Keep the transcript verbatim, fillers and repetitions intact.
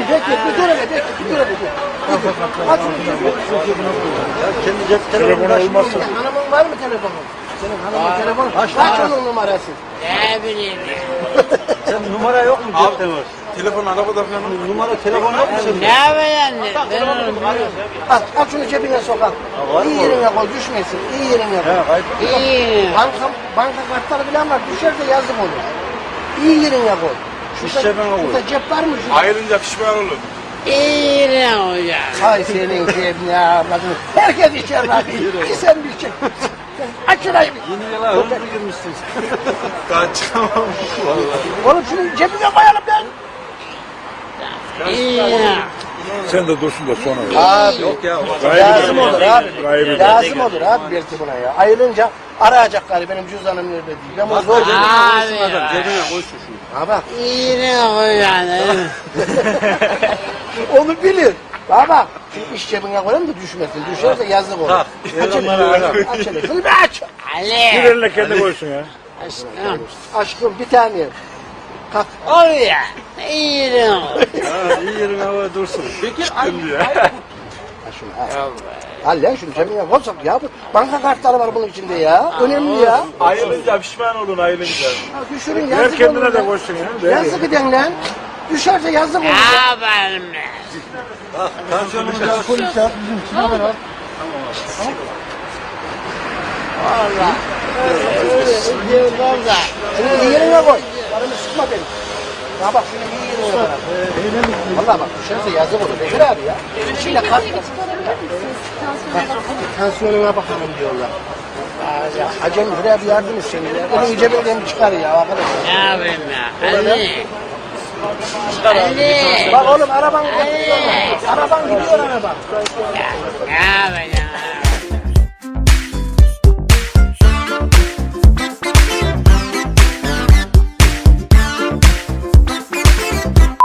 bekle, bir dur hele, bekle, bir dur hele. Bir dur. Aç şunu cebine. Ya kendi cep telefonu olmasın. Hanımın var mı telefonu? Senin hanımın telefonu. Kaç onun numarası? Ne bileyim. Sen numara yok mu cep telefonu? Telefon arabada falan. Numara telefon yok mu senin? Ne yapayım? Ben onu biliyorum. Al, al şunu cebine sok al. İyi yerine koy, düşmesin. İyi yerine koy. He kayıp. İyi. Banka, banka kartları bilen var, düşerse yazık olur. İyi yerine koy. Şurada, cebine koy. şurada cep var mı? Şurada? Ayrılınca pişman olur. İyi ne hocam? Hay senin cebine avradını. Herkes içer lan. Bir sen bir çek. Aç şurayı bir. Yeni yıla hızlı girmişsin. Kaçamam. Oğlum şunu cebine koyalım lan. İyi. Sen de dursun da sonra. Abi Yok ya. lazım olur abi. Gayrı. Lazım olur abi belki buna ya. Ayrılınca arayacaklar benim cüzdanım nerede diye. Ben bunu zor cebine Abi Adam ya. cebine koysun şunu. Ha bak. İyi ne hocam? Onu bilir. Baba şu iş cebine koyalım da düşmesin. Düşerse yazık olur. Tak. Aç hele. Aç hele. Şunu bir aç. Bir Ali. eline kendi koysun ya. Aşkım. Aşkım bir tane. Kalk. Oraya. İyi ne Ha, iyi yerin havaya dursun. Bekir Ha şunu al. Al lan şunu cebine koysak ya. Bu banka kartları var bunun içinde ya. Önemli ya. Ayrılınca pişman olun ayrılınca. Ha, düşürün Ver yazık kendine olur de lan. koysun ya. Yazık eden lan. Düşerse yazık olur. Ne ya. yapalım? Bak tansiyonumuzu al. Valla. Öyle diyorlar da. Şunu iyi yerine koy. Paramı sıkma beni. Ya bak şunu iyi yerine koy. Valla bak düşerse yazık olur. Bekir abi ya. İçinde kart var. Tansiyonuna bakalım diyorlar. Ya, Hacem buraya bir yardım et seni ya. Onu iyice belden bir çıkar ya arkadaşlar. Ne yapayım ya? Ali. Ali. Bak oğlum araban gidiyor. Araban gidiyor araba. Ne yapayım?